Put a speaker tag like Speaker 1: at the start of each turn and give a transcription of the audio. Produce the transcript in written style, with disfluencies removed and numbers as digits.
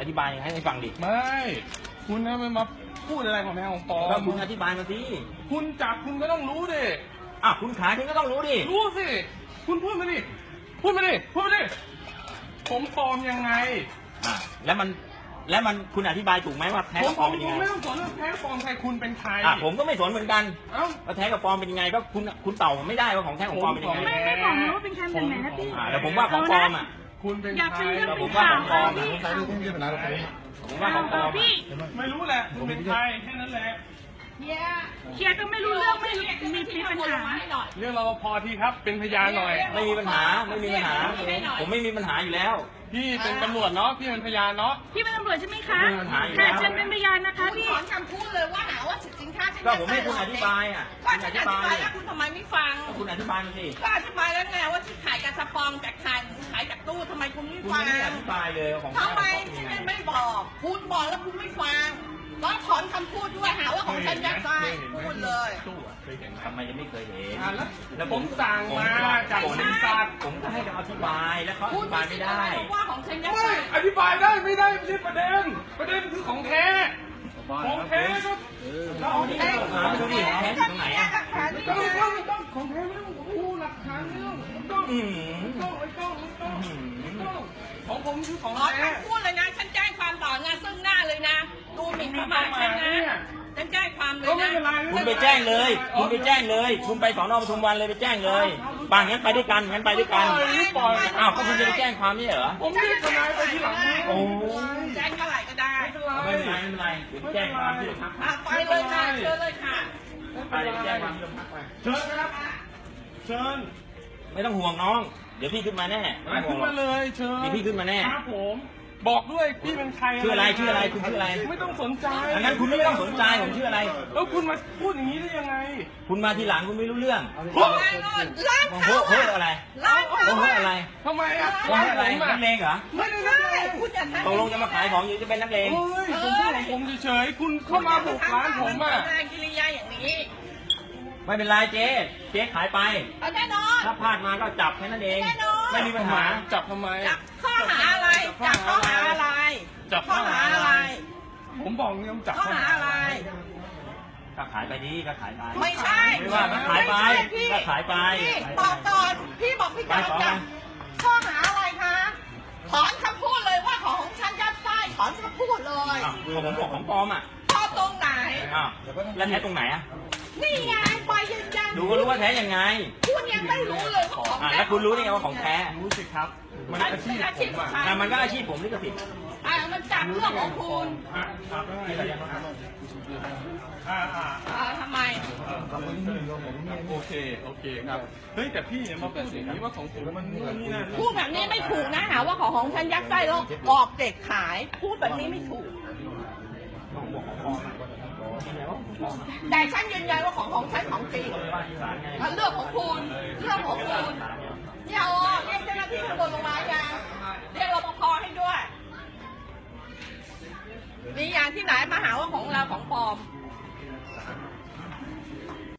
Speaker 1: อธิบายให้ฟังดิ
Speaker 2: ไม่คุณนะไม่มาพูดอะไรของแท้ของปลอม
Speaker 1: ก็คุณอธิบายมาสิ
Speaker 2: คุณจับคุณก็ต้องรู้ดิ
Speaker 1: คุณขายคุณก็ต้องรู้ดิ
Speaker 2: รู้สิคุณพูดมาดิพูดมาดิผมปลอมยังไง
Speaker 1: แล้วมันคุณอธิบายถูกไหมว่าแท้กับปลอมเป็นยังไง
Speaker 2: ผมไม่ต้องสนเรื่องแท้ปลอมใครคุณเป็นใคร
Speaker 1: ผมก็ไม่สนเหมือนกันว่าแท้กับปลอมเป็นยังไงก็คุณเต่าไม่ได้ว่าของแท้ของปลอมเป็นยังไง
Speaker 3: ไม่บอกนะว่าเป็นใครเป็นไหนนะพี่
Speaker 1: แต่ผมว่าของปลอม
Speaker 2: คุณเป็นใคร
Speaker 1: ผมว่าของปลอมผมว่าของปลอม
Speaker 2: ไม่รู้แหละคุณเป็นใครแค่นั้นแหละ
Speaker 3: เชียร์ก็ไม่รู้เรื่องไม่มีปัญหา
Speaker 2: เรื่องรปภทีครับเป็นพยานหน่อย
Speaker 1: ไม่มีปัญหาผมไม่มีปัญหาอยู่แล้ว
Speaker 2: พี่เป็นตำรวจเนาะพี่เป็นพยานเนาะ
Speaker 3: พี่เป็นตำรวจใช่ไหมคะค่ะเชิญเป็นพยานนะคะพี่
Speaker 4: ถอนคำพูดเลยว่าหาว่าสินค้าฉัน
Speaker 1: ก็ผมให้คุณอธิบาย
Speaker 4: ก็ฉันอธิบายแล้วคุณทำไมไม่ฟัง
Speaker 1: คุณอธิบายมาสิ
Speaker 4: ก็อธิบายแล้วไงว่าที่ขายกับสปองจากขายจากตู้ทำไมคุณไม่ฟัง
Speaker 1: คุณไม่อธิบายเลยของ
Speaker 4: ทำไมฉันไม่บอกคุณบอกแล้วคุณไม่ฟังแล้วถอนคำพูดด้วยหาว่าของฉันยัดไส้พูดเลย
Speaker 1: ทำไมยังไม่เคยเห็น
Speaker 2: แล้วผมสั่งมาจากบริษัท
Speaker 1: ผมก็ให้เขาอธิบายแล้วเขาอธิบายไม่ได้
Speaker 4: ว่าของฉันยัดไส้
Speaker 2: อธิบายได้ไม่ได้ไม่ใช่ประเด็นคือของแท้ของแท้ก็
Speaker 1: เราเอาที่มาดูดิแท้ตรงไหน
Speaker 2: ต้องของแท้ไม่ต้องพูดหลักฐานไม่ต้องของผมคือของแท้
Speaker 4: พูดเลยนะฉันแจ้งความต่อหน้าซึ่งหน้าเลยนะดูหมิ่นประมาทฉันนะฉันแจ้งความเลยนะ
Speaker 1: คุณไปแจ้งเลยคุณไปสอนอปทุมวันเลยไปแจ้งเลยงั้นไปด้วยกันก็คุณจะไปแจ้งความนี่เหรอ
Speaker 2: ผมเรียกทนายไปที่หลัง
Speaker 4: แจ้งเท่าไหร่ก็ได้
Speaker 1: ไม่เป็นไรแจ้งความที่โรงพัก
Speaker 4: ไปเลยค่ะเชิญเลยค่ะ
Speaker 1: ไปแจ้งความที่โรงพักไป
Speaker 2: เชิญครับเชิญ
Speaker 1: ไม่ต้องห่วงน้องเดี๋ยวพี่ขึ้นมาแน่
Speaker 2: ขึ้นมาเลยเชิญ
Speaker 1: พี่ขึ้นมาแน่
Speaker 2: ครับผมบอกด้วยพี่เป็นใคร
Speaker 1: ชื่ออะไรคุณชื่ออะไร
Speaker 2: ไม่ต้องสนใจ
Speaker 1: งั้นคุณไม่ต้องสนใจผมชื่ออะไร
Speaker 2: แล้วคุณมาพูดอย่างนี้ได้ยังไง
Speaker 1: คุณมาทีหลังคุณไม่รู้เรื่อง
Speaker 4: ร้านเขา
Speaker 1: อะไร
Speaker 4: ร้านเขา
Speaker 1: อะไร
Speaker 2: ทำไม
Speaker 1: อะไรนักเลงเหรอ
Speaker 4: ไม่ได้คุณอย่าทำ
Speaker 1: ตกลงจะมาขายของอยู่จะเป็นนักเลง
Speaker 2: ผมพูดของผมเฉยๆคุณเข้ามาบุกร้านผม
Speaker 4: กิริยาอย่างนี้
Speaker 1: ไม่เป็นไรเจ๊ขายไป
Speaker 4: แน่นอน
Speaker 1: ถ้าพลาดมาก็จับแค่นั้นเองไม่มีปัญหา
Speaker 2: จับทำไม
Speaker 4: จับข้อหาอะไรจับข้อหาอะไร
Speaker 2: จับ
Speaker 4: ข้อหาอะไร
Speaker 2: ผมบอกเนี่ยจับ
Speaker 4: ข้อหาอะไร
Speaker 1: ก็ขายไปดีก็ขายไป
Speaker 4: ไม่ใช่
Speaker 1: ไม่ว่าก็ขายไปก็ขายไป
Speaker 4: บอกก่อนพี่บอกพี่จับข้อหาอะไรคะถอนคำพูดเลยว่าของฉันยัดไส้ถอนคำพูดเลย
Speaker 1: ผมบอกของปลอม
Speaker 4: ข้อตรงไหน
Speaker 1: แล้วแท้ตรงไหน
Speaker 4: นี่ไงไปยัง
Speaker 1: ดูก็รู้ว่าแท้ยังไง
Speaker 4: คุณยังไม่รู้เลยว่าของแท้
Speaker 1: แล้วคุณรู้ได้ไงว่าของแท้
Speaker 2: รู้สิครับมันอาชีพผม
Speaker 1: มันก็อาชีพผมนี่ก็ผิด
Speaker 4: มันจับเรื่องของคุณทำไม
Speaker 2: โอเคครับเฮ้ยแต่พี่เนี่ยมาพูดอย่างนี้ว่าของผมมันนี่นะ
Speaker 4: พูดแบบนี้ไม่ถูกนะหาว่าของฉันยัดไส้แล้วหลอกเด็กขายพูดแบบนี้ไม่ถูกแต่ฉันยืนยันว่าของฉันของจริงเรื่องของคุณเนี่ยเรียกเจ้าหน้าที่ตำรวจลงมายังเรียกรปภให้ด้วยมีอย่างที่ไหนมาหาว่าของเราของปลอม